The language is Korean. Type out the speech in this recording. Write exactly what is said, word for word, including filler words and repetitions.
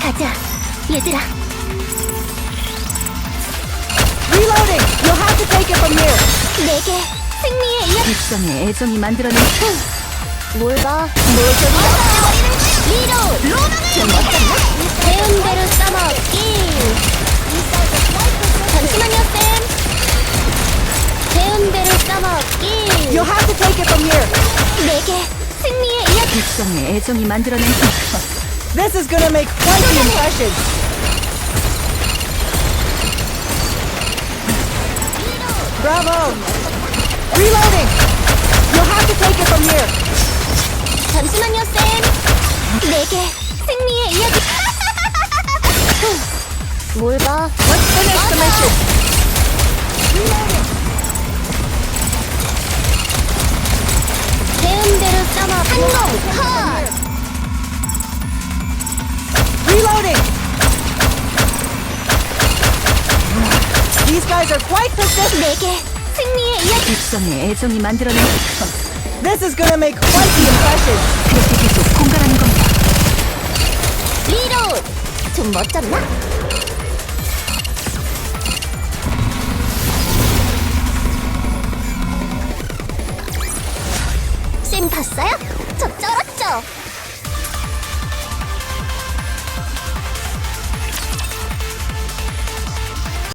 가자, 얘들아. Reloading! You'll have to take it from here! 내게 승리의 이야기. 백성의 애정이 만들어낸 뭘 봐? 모조리 없애버리는 리로! 로망을! 좀 어쩌나? 배운 대로 써먹기. 잠시만요, 쌤. 배운 대로 써먹기. You'll have to take it from here! 내게 승리의 이야기. 백성의 애정이 만들어낸 This is gonna make quite the impression! Bravo! Reloading! You'll have to take it from here! 잠시만요, 쌤. 내게 승리의 이야기. 뭘 봐? Let's finish the mission! 배운 대로 써먹기. 한공 컷! Reloading! These guys are quite persistent! 내게 승리의 이야기. 백성의 애정이 만들어낸 This is gonna make quite the impression! 그렇게 계속 공갈하는 겁니다. 리로드! 좀 멋졌나? 쌤 봤어요? 저 쩔었죠?